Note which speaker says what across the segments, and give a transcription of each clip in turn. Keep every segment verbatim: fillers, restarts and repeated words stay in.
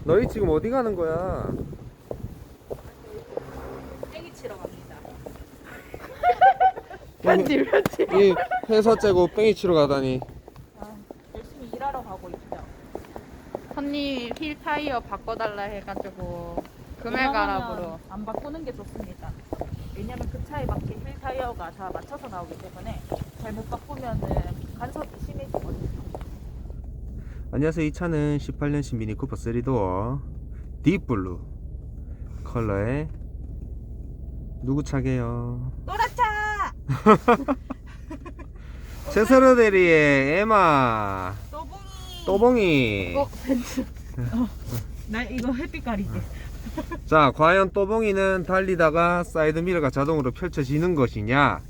Speaker 1: 너희 지금 어디 가는 거야?
Speaker 2: 땡이 치러 갑니다.
Speaker 3: 편집 편집.
Speaker 1: 이 회사 째고 뺑이 치러 가다니.
Speaker 2: 아, 열심히 일하러 가고 있죠.
Speaker 3: 손님 휠 타이어 바꿔달라 해가지고 금액
Speaker 2: 웬만하면
Speaker 3: 알아보러.
Speaker 2: 안 바꾸는 게 좋습니다. 왜냐면 그 차에 맞게 휠 타이어가 다 맞춰서 나오기 때문에 잘못 바꾸면은 간섭이 심해지거든요.
Speaker 1: 안녕하세요. 이 차는 십팔 년식 미니 쿠퍼 쓰리 도어 딥블루 컬러의 누구 차게요?
Speaker 2: 노랗차!
Speaker 1: 최세로 대리의 에마
Speaker 2: 또봉이!
Speaker 1: 또봉이.
Speaker 3: 어 벤츠.
Speaker 2: 나 이거 햇빛 가리게.
Speaker 1: 자, 과연 또봉이는 달리다가 사이드미러가 자동으로 펼쳐지는 것이냐,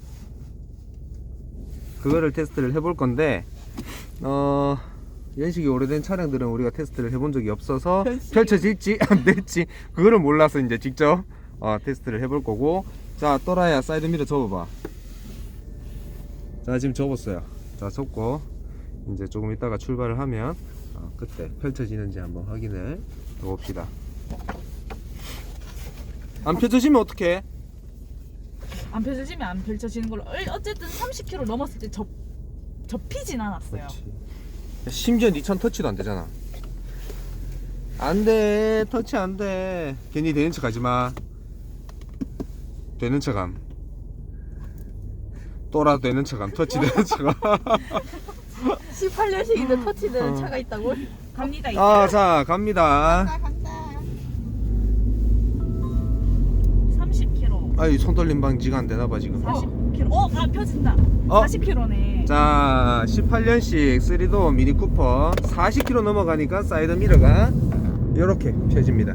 Speaker 1: 그거를 테스트를 해볼 건데, 어 연식이 오래된 차량들은 우리가 테스트를 해본 적이 없어서
Speaker 2: 연식이.
Speaker 1: 펼쳐질지 안 될지 그거를 몰라서 이제 직접 어, 테스트를 해볼 거고. 자, 또라야 사이드미러 접어봐. 자, 지금 접었어요. 자, 접고 이제 조금 있다가 출발을 하면 어, 그때 펼쳐지는지 한번 확인을 해봅시다. 안 펼쳐지면 어떡해?
Speaker 2: 안 펼쳐지면 안 펼쳐지는 걸로. 어- 어쨌든 삼십 킬로미터 넘었을 때 접, 접히진 않았어요.
Speaker 1: 그렇지. 심지어 니 천 터치도 안 되잖아. 안 돼, 터치 안 돼. 괜히 되는 척 하지 마. 되는 척함. 또라 되는 척함. 터치 되는 척함.
Speaker 3: 십팔 년식인데 터치되는
Speaker 1: 어.
Speaker 3: 차가 있다고?
Speaker 2: 갑니다 이제.
Speaker 1: 아, 자, 갑니다.
Speaker 2: 삼십 킬로미터.
Speaker 1: 아이, 손 떨림 방지가 안 되나봐, 지금.
Speaker 2: 사십 킬로미터. 어, 아 펴진다.
Speaker 1: 어?
Speaker 2: 사십 킬로미터네.
Speaker 1: 자, 십팔 년식 쓰리 도어 미니 쿠퍼 사십 킬로미터 넘어가니까 사이드 미러가 이렇게 펴집니다.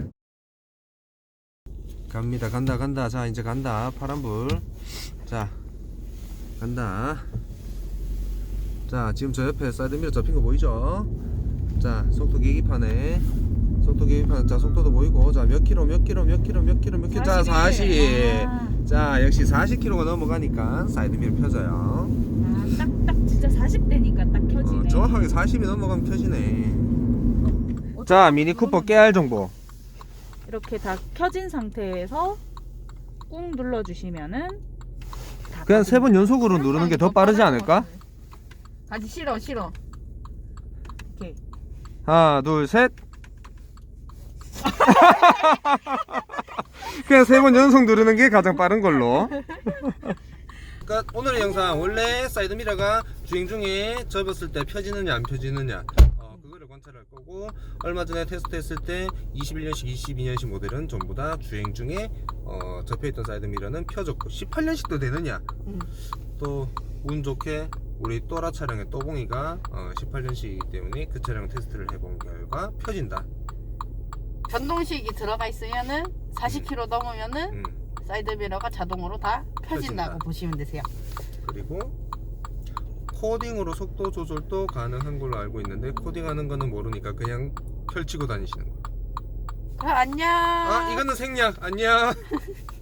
Speaker 1: 갑니다. 간다 간다. 자, 이제 간다. 파란불. 자, 간다. 자, 지금 저 옆에 사이드 미러 접힌 거 보이죠? 자, 속도 계기판에 속도 계기판. 자, 속도도 보이고. 자, 몇 킬로 몇 킬로 몇 킬로 몇 킬로 몇 킬로. 자, 사십.
Speaker 2: 아,
Speaker 1: 자, 역시 사십 킬로미터가 넘어가니까 사이드 미러 펴져요.
Speaker 2: 아, 딱, 딱 진짜 사십 대니까 딱 켜지네.
Speaker 1: 어, 정확하게 사십이 넘어가면 켜지네. 자, 미니 쿠퍼 깨알 정보.
Speaker 2: 이렇게 다 켜진 상태에서 꾹 눌러주시면은 다
Speaker 1: 그냥
Speaker 2: 꺼집니다.
Speaker 1: 세 번 연속으로 누르는 게 더 빠르지 않을까?
Speaker 3: 아직 싫어 싫어.
Speaker 2: 이렇게.
Speaker 1: 하나, 둘, 셋. 그냥 세 번 연속 누르는 게 가장 빠른 걸로. 그러니까 오늘의 영상, 원래 사이드 미러가 주행 중에 접었을 때 펴지느냐 안 펴지느냐, 어, 그거를 관찰할 거고, 얼마 전에 테스트했을 때 이십일 년식, 이십이 년식 모델은 전부 다 주행 중에 어, 접혀있던 사이드 미러는 펴졌고, 십팔 년식도 되느냐.
Speaker 3: 음.
Speaker 1: 또 운 좋게 우리 또라 차량의 또봉이가 어, 십팔 년식이기 때문에 그 차량 테스트를 해본 결과 펴진다.
Speaker 3: 전동식이 들어가 있으면은 사십 킬로미터 넘으면은
Speaker 1: 음.
Speaker 3: 사이드미러가 자동으로 다 펴진다고
Speaker 1: 펴진다.
Speaker 3: 보시면 되세요.
Speaker 1: 그리고 코딩으로 속도 조절도 가능한 걸로 알고 있는데, 코딩하는 거는 모르니까 그냥 펼치고 다니시는 거예요.
Speaker 3: 그럼 안녕.
Speaker 1: 아, 이거는 생략. 안녕.